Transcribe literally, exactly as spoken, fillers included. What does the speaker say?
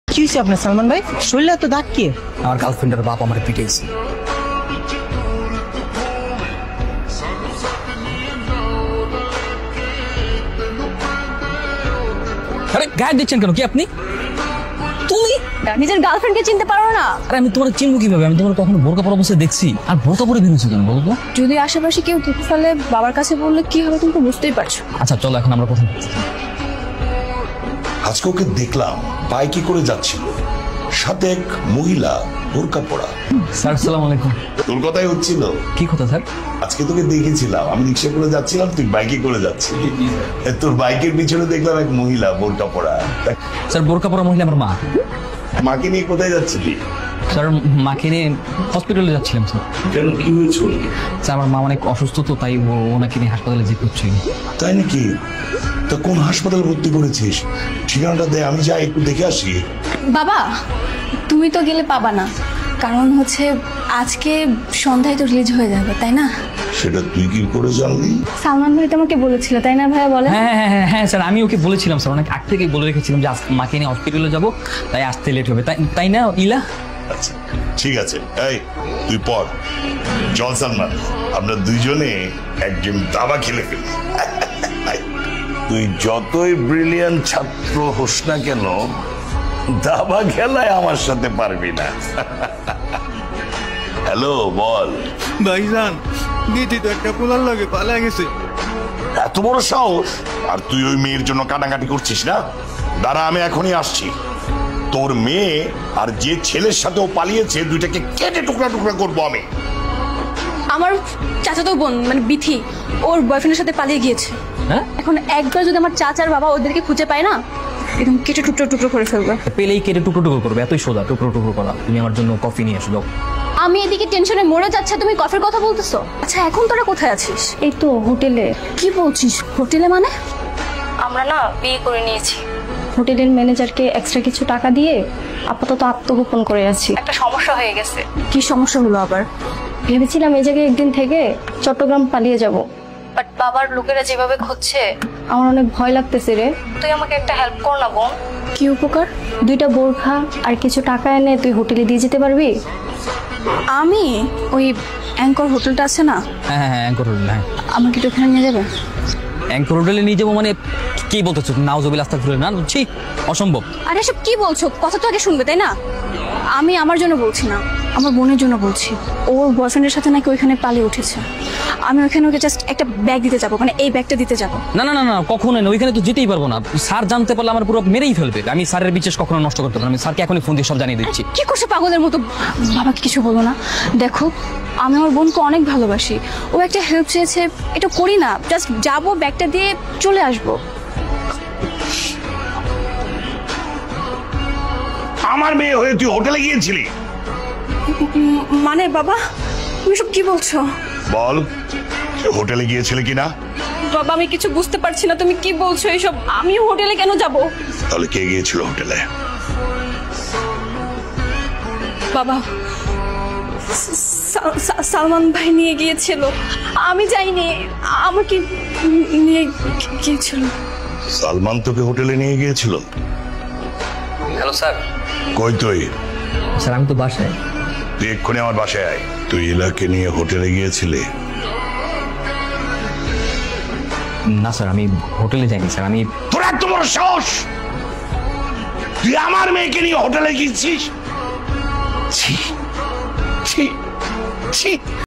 কি হয়েছে আপনার সালমান ভাই? শরীরে তো দাগ কি? আমার গার্লফ্রেন্ডের বাপ আমার পিটাইছে। আরে গায়ে দিচ্ছেন কেন? কি আপনি? তুমি নিজের গার্লফ্রেন্ডকে চিনতে পারো না? আরে আমি তোমার চিনবো কিভাবে? আমি তোমার কখনো বোরকা পরা অবস্থায় দেখছি? আর বোরকা পরে বেরোছো কেন বলো তো? যদি আশেপাশে কেউ দেখে ফেলে বাবার কাছে বললে কি হবে তুমি তো বুঝতেই পারছো। আচ্ছা চলো এখন আমরা কথা বলছি। আজকে ওকে দেখলাম বাইকে করে যাচ্ছিল, সাথে এক মহিলা বোরকা পরা। স্যার আসসালামু আলাইকুম। তোর কথাই হচ্ছিল। কি কথা স্যার? আজকে তোকে দেখেছিলাম, আমি রিক্সা করে যাচ্ছিলাম, তুই বাইকে করে যাচ্ছিলি। তোর বাইকের পিছনে দেখলাম এক মহিলা বোরকা পরা। স্যার বোরকা পরা মহিলা আমার মা। মাকে নিয়ে কোথায় যাচ্ছিলি? স্যার মাকে নিয়ে হসপিটালে যাচ্ছিলাম স্যার। কেন, কি হয়েছিল? স্যার আমার মা অনেক অসুস্থ তো, তাই ওনাকে নিয়ে হাসপাতালে যেতে হচ্ছে। তাই নাকি? তা কোন হাসপাতালে ভর্তি করেছিস? ঠিকানাটা দে, আমি যাই একটু দেখে আসি। বাবা তুমি তো গেলে পাবা না, কারণ হচ্ছে আজকে সন্ধ্যায় তো রিলিজ হয়ে যাবে, তাই না? সেটা তুই কি করে জানলি? সালমান ভাই তোমাকে বলেছিল, তাই না ভাইয়া? বলে হ্যাঁ হ্যাঁ হ্যাঁ হ্যাঁ স্যার, আমি ওকে বলেছিলাম স্যার, অনেক আগ থেকেই বলে রেখেছিলাম যে মাকে নিয়ে হসপিটালে যাবো, তাই আসতে লেট হবে, তাই তাই না ইলা? আচ্ছা ঠিক আছে, এই তুই পড়। চল সালমান, আমরা দুইজনে একজন দাবা খেলে ফেলি। তুই যতই ব্রিলিয়ান্ট ছাত্র হোস না কেন, দাবা খেলায় আমার সাথে পারবি না। হ্যালো বল। ভাইজান দিদি তো একটা পোলার লাগে পালা গেছে। এত বড় সাহস! আর তুই ওই মেয়ের জন্য কাটাকাটি করছিস না? দাঁড়া, আমি এখনই আসছি। তোর মেয়ে আর যে ছেলের সাথে ও পালিয়েছে, দুইটাকে কেটে টুকরা টুকরা করবো আমি। আমার চাচাতো বোন মানে বিথি ওর বয়ফ্রেন্ডের সাথে পালিয়ে গিয়েছে। হ্যাঁ, এখন একবার যদি আমার চাচার বাবা ওদেরকে খুঁজে পায় না, একদম কেটে টুকরো টুকরো করে ফেলবে। পেলেই কেটে টুকরো টুকরো করবে, এতই সোজা টুকরো টুকরো করা। তুমি আমার জন্য কফি নিয়ে এসো যাও। আমি এদিকে টেনশনে মরে যাচ্ছে, তুমি কফির কথা বলতেছো? আচ্ছা এখন তোরা কোথায় আছিস? এই তো হোটেলে। কি বলছিস হোটেলে? মানে আমরা না বিয়ে করে নিয়েছি, হোটেলের ম্যানেজারকে এক্সট্রা কিছু টাকা দিয়ে আপাতত আত্মগোপন করে আছি। একটা সমস্যা হয়ে গেছে। কি সমস্যা হলো আবার? ভেবেছিলাম এই জায়গায় একদিন থেকে চট্টগ্রাম পালিয়ে যাব, বাট বাবার লোকেরা যেভাবে খুঁজছে আমার অনেক ভয় লাগতেছে রে। তুই আমাকে একটা হেল্প কর না বোন। কি উপকার? দুইটা বোরখা আর কিছু টাকা এনে তুই হোটেলে দিয়ে যেতে পারবি? আমি ওই অ্যাঙ্কর হোটেলটা আছে না? হ্যাঁ হ্যাঁ হ্যাঁ অ্যাঙ্কর হোটেল। হ্যাঁ আমাকে একটু ওখানে নিয়ে যাবে? অ্যাঙ্কর হোটেলে নিয়ে যাবো মানে কি বলতেছো? নাউজুবিল্লাহ আস্তাগফিরুল্লাহ। না বুঝছি, অসম্ভব। আরে এসব কি বলছো? কথা তো আগে শুনবে, তাই না? আমি আমার জন্য বলছি না, আমার বোনের জন্য বলছি। ওর বয়ফ্রেন্ডের সাথে নাকি ওইখানে পালিয়ে উঠেছে। আমি ওইখানে ওকে জাস্ট একটা ব্যাগ দিতে যাবো, মানে এই ব্যাগটা দিতে যাবো। না না না না কখনোই না, ওইখানে তো যেতেই পারবো না। স্যার জানতে পারলে আমার পুরো মেরেই ফেলবে। আমি স্যারের বিশেষ কখনো নষ্ট করতে পারবো না। আমি স্যারকে এখনই ফোন দিয়ে সব জানিয়ে দিচ্ছি। কি করছে পাগলের মতো? বাবাকে কিছু বলো না। দেখো আমি আমার বোনকে অনেক ভালোবাসি, ও একটা হেল্প চেয়েছে, এটা করি না। জাস্ট যাবো, ব্যাগটা দিয়ে চলে আসবো। আমার মেয়ে হয়ে তুই হোটেলে গিয়েছিলি? মানে বাবা তুমি সব কি বলছো? বল, হোটেলে গিয়েছিলে কিনা? বাবা আমি কিছু বুঝতে পারছি না, তুমি কি বলছো এইসব? আমি হোটেলে কেন যাব? তাহলে কে গিয়েছিল হোটেলে? বাবা সালমান ভাই নিয়ে গিয়েছিল, আমি যাইনি। আমাকে নিয়ে গিয়েছিল। সালমান তোকে হোটেলে নিয়ে গিয়েছিল? Hello sir. কই তুই? স্যার আমি তো বাসায়। তুই এক্ষুনি আমার বাসায় আয়। তুই ইলাকে নিয়ে হোটেলে গিয়েছিলি? না স্যার আমি হোটেলে যাইনি স্যার। আমি তোর এত বড় সাহস! তুই আমার মেয়েকে নিয়ে হোটেলে গিয়েছিস? ছি ছি ছি।